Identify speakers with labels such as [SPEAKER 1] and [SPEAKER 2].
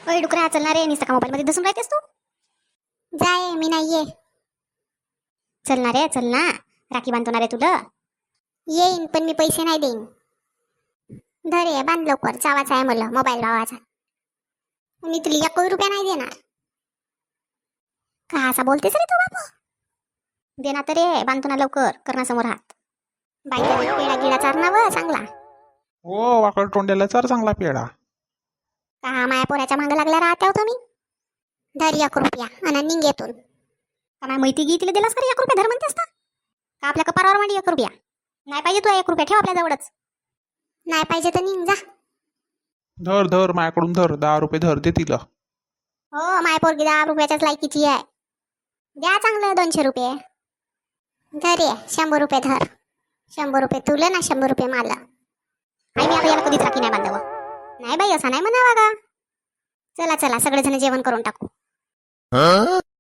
[SPEAKER 1] अय डुकऱ्या चलणार रे, निसका मोबाईल मध्ये बसून राहतेस तू.
[SPEAKER 2] जाय मी नाहीये.
[SPEAKER 1] चलणार रे, चल ना. राखी बांधणार आहे तुला.
[SPEAKER 2] येईन पण मी पैसे नाही देईन. धरे बांध लवकर, चावाचा आहे मला मोबाईल भावाचा. मी तुला 1 रुपया नाही देणार.
[SPEAKER 1] का असा बोलतेस रे तू बापू. देना तर रे, बांधतो ना लवकर, करणा समोर हात. बाईचा पेडा गिडा चारणावं चांगला.
[SPEAKER 3] हो वाकड तोंड्याला चार चांगला पेढा.
[SPEAKER 1] का माया पोऱ्याच्या मागं लागल्या राहत्या हो तुम्ही.
[SPEAKER 2] धर 1 रुपया आणि निघ येतून.
[SPEAKER 1] का माय मैती गी तिला दिलास का रे 1 रुपया धर म्हणतेस का आपल्या कपारावर मांडी 1 रुपया. नाही पाहिजे तू 1 रुपया ठेव आपल्या जवळच.
[SPEAKER 2] नाही पाहिजे तर निघ जा.
[SPEAKER 3] धर धर माझ्याकडून धर, 10 रुपये धर दे तिला.
[SPEAKER 1] हो माय पोरगी 10 रुपयाच्याच लायकीची आहे. द्या चांगलं 200 रुपये.
[SPEAKER 2] धर ये 100 रुपये धर. 100 रुपये तुला ना 100 रुपये मला.
[SPEAKER 1] आई मी आता याला कधीच राखी नाही बांधावं. नाही बाई असा नाही म्हणावा का. चला चला सगळेजण जेवण करून टाकू.